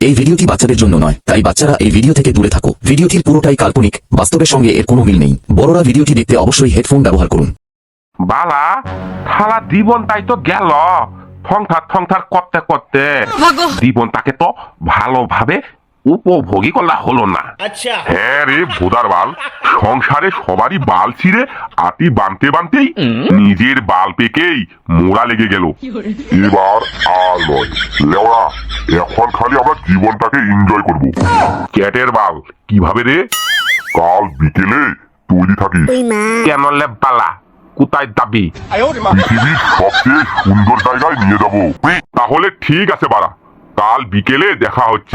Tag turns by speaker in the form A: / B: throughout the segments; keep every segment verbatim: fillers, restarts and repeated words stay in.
A: এই ভিডিওটি বাচ্চাদের জন্য নয়, তাই বাচ্চারা এই ভিডিও থেকে দূরে থাকো। ভিডিওটির পুরোটাই কাল্পনিক, বাস্তবের সঙ্গে এর কোনো মিল নেই। বড়রা ভিডিওটি দেখতে অবশ্যই হেডফোন ব্যবহার করুন।
B: বালা থালা জীবন তাই তো গেল থংথার থংথার করতে করতে জীবন তাকে তো ভালোভাবে উপভোগী করা হলো না। হ্যাঁ রে ভোদার বাল, সংসারে সবারই বাল ছিঁড়ে আটি বানতে বানতেই নিজের বাল পেকেই মোড়া লেগে গেল।
C: এবার আর নয় লেওড়া, এখন খালি আমরা জীবনটাকে এনজয় করব।
B: চ্যাটের বাল কিভাবে রে?
C: কাল বিকেলে তৈরি থাকিস।
B: কেন লে বালা, কোথায় দাবি?
C: পৃথিবীর সবচেয়ে সুন্দর জায়গায় নিয়ে যাব।
B: তাহলে ঠিক আছে বাড়া, কাল বিকেলে দেখা হচ্ছে।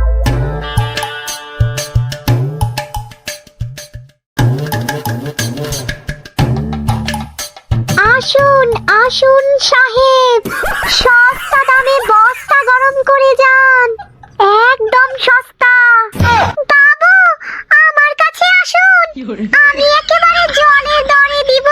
D: আসুন আসুন সাহেব, সস্তা দামে বস্তা গরম করে যান, একদম সস্তা। বাবু আমার কাছে আসুন, আমি একেবারে জলের দরে দিব।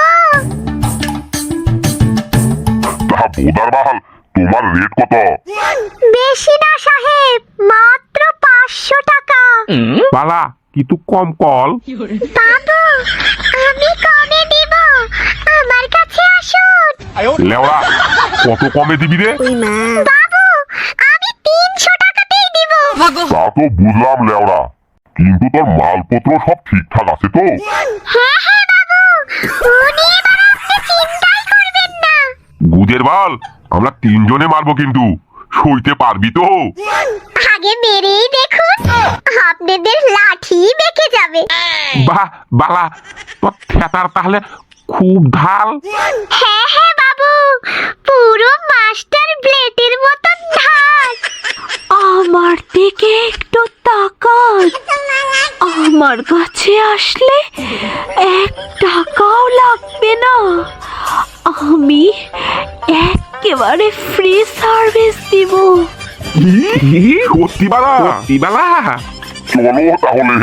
C: তা বোদার বাল, তোমার রেট কত?
D: বেশি না সাহেব, মাত্র পাঁচশো টাকা।
B: বালা কিন্তু কম কল।
D: বাবু আমি কমে দিব, আমার কাছে আসুন।
B: লেওড়া কত কমে দিবি রে?
D: বাবু আমি তিনশো টাকাতেই দিব।
C: তা তো বুঝলাম লেওড়া, কিন্তু তোর মালপত্র সব ঠিকঠাক আছে তো?
D: হ্যাঁ হ্যাঁ বাবু, উনি এবার আপনি চিন্তাই করবেন না।
B: গুদের বাল, আমরা তিনজনে মারবো কিন্তু সইতে পারবি তো?
D: আগে মেরেই দেখুন, আপনাদের লাঠি বেঁকে যাবে।
B: বাহ বালা, তোর থেতার তাহলে খুব ঢাল।
D: হ্যাঁ হ্যাঁ বাবু, পুরো মাস্টার ব্লেডের মতন ধার।
E: আমার দিকে একটু তাকান, আমার কাছে আসলে এক টাকাও লাগবে না। আমি একেবারে ফ্রি সার্ভিস দিব।
B: সত্যি বালা? সত্যি বালা?
C: চলো তাহলে।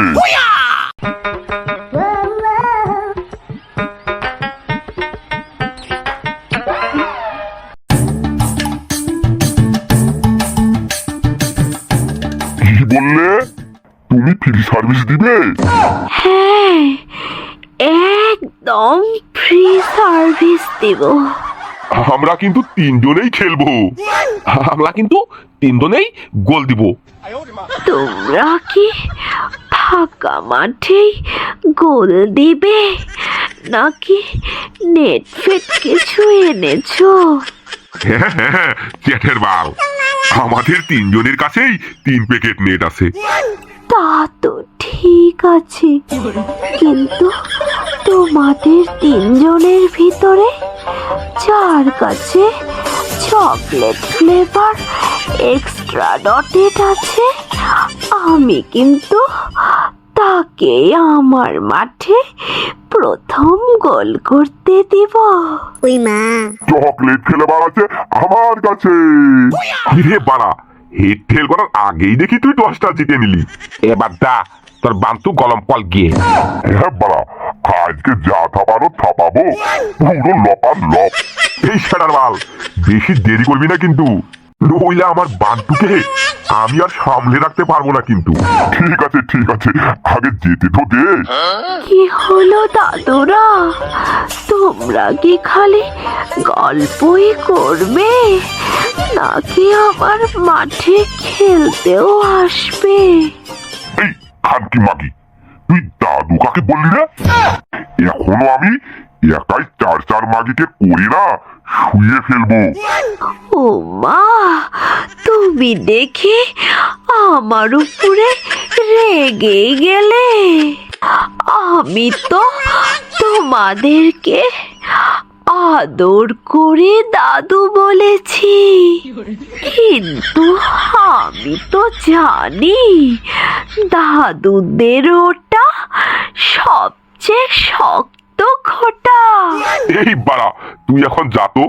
C: কি বললে? তুমি ফ্রি সার্ভিস দিবে?
E: হ্যাঁ, একদম ফ্রি সার্ভিস দিব।
B: আমরা কিন্তু তিনজনেই খেলবো, আমরা কিন্তু তিনজনেই গোল দিব।
E: তোমরা কি ফাঁকা মাঠেই গোল দিবে নাকি নেট ফেট কিছু এনেছো?
B: হ্যাঁ হ্যাঁ চ্যাটের বাল, আমাদের তিনজনের কাছেই তিন প্যাকেট নেট আছে।
E: তা তো ঠিক আছে, কিন্তু তোমাদের তিনজনের ভিতরে যার কাছে চকলেট ফ্লেভার এক্সট্রা ডটেড আছে, আমি কিন্তু তাকে আমার মাঠে প্রথম গোল করতে দিব।
C: চকলেট ফ্লেভার আছে আমার কাছে।
B: রে বাড়া, হেড ফেল করার আগেই দেখি তুই দশটা জিতে নিলি। এবার দা তোর বান্তু গলম কল গিয়ে।
C: হ্যাঁ বাড়া, আজকে যা থাপানো থাপাবো, পুরো লপার লপ।
B: এই শাটার বাল, বেশি দেরি করবি না কিন্তু, নইলে আমার বান্তুকে আমি আর সামলে রাখতে পারবো না কিন্তু।
C: ঠিক আছে ঠিক আছে, আগে যেতে তো দে।
E: কি হলো দাদুরা, তোমরা কি খালি গল্পই করবে নাকি আমার মাঠে খেলতেও আসবে?
C: এই খানকি মাগি, তুই দাদু কাকে বললি না? এখনো আমি একাই চার চার মাগিকে করি না, শুয়ে ফেলবো।
E: ও মা, তুমি দেখি আমার উপরে রেগে গেলে। আমি তো তোমাদেরকে আদর করে দাদু বলেছি, কিন্তু আমি তো জানি দাদুদের ওটা সবচেয়ে শক্ত খোঁটা।
B: এই বাড়া, তুই এখন যা তো।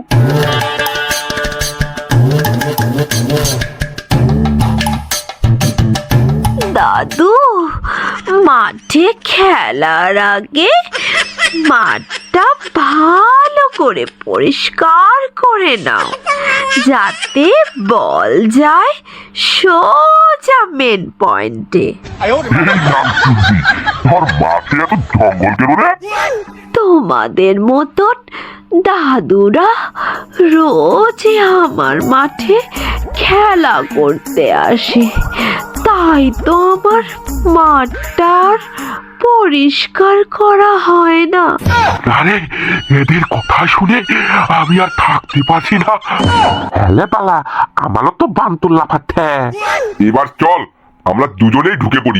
E: দাদু, মাঠে খেলার আগে মাঠটা ভালো করে পরিষ্কার করে নাও, যাতে বল যায় সোজা মেন পয়েন্টে।
C: এই নামচুন্দি, তোর মাঠে এত জঙ্গল কেন রে?
E: তোমাদের মতন দাদুরা রোজ আমার মাঠে খেলা করতে আসে, তাই তো আমার মাঠটার পরিষ্কার করা হয় না।
B: আরে এদের কথা শুনে আমি আর থাকতে পারছি না। হ্যালে পালা, আমারও তো বান্তুর লাফাচ্ছে।
C: এবার চল আমরা দুজনেই ঢুকে পড়ি।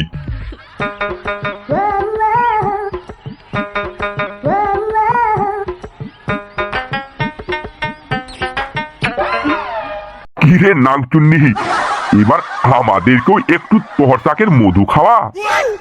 C: কিরে নাংচুন্নি, এবার আমাদেরকেও একটু তোর শাকের মধু খাওয়া।